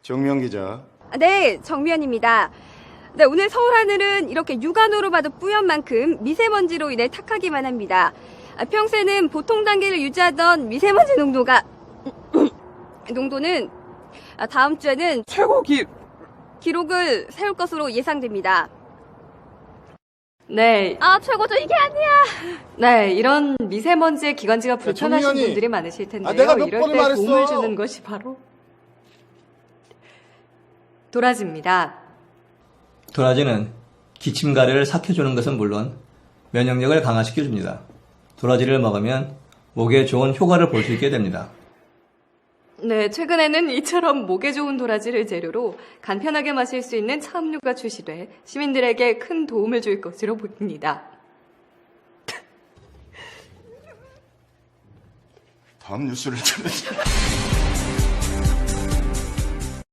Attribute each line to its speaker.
Speaker 1: 정미영 기자.
Speaker 2: 네, 정미연입니다. 네, 오늘 서울 하늘은 이렇게 육안으로 봐도 뿌연 만큼 미세먼지로 인해 탁하기만 합니다. 평소에는 보통 단계를 유지하던 미세먼지 농도는 다음 주에는 최고 기록을 세울 것으로 예상됩니다.
Speaker 3: 네.
Speaker 2: 최고죠, 이게 아니야.
Speaker 3: 네, 이런 미세먼지의 기관지가 불편하신
Speaker 1: 정미연이.
Speaker 3: 분들이 많으실 텐데요.
Speaker 1: 내가 몇
Speaker 3: 이럴
Speaker 1: 번을
Speaker 3: 때
Speaker 1: 말했어.
Speaker 3: 도움을 주는 것이 바로 도라지입니다.
Speaker 4: 도라지는 기침 가래를 삭혀주는 것은 물론 면역력을 강화시켜줍니다. 도라지를 먹으면 목에 좋은 효과를 볼 수 있게 됩니다.
Speaker 3: 네, 최근에는 이처럼 목에 좋은 도라지를 재료로 간편하게 마실 수 있는 차음료가 출시돼 시민들에게 큰 도움을 줄 것으로 보입니다.
Speaker 1: 다음 뉴스를 들으세요.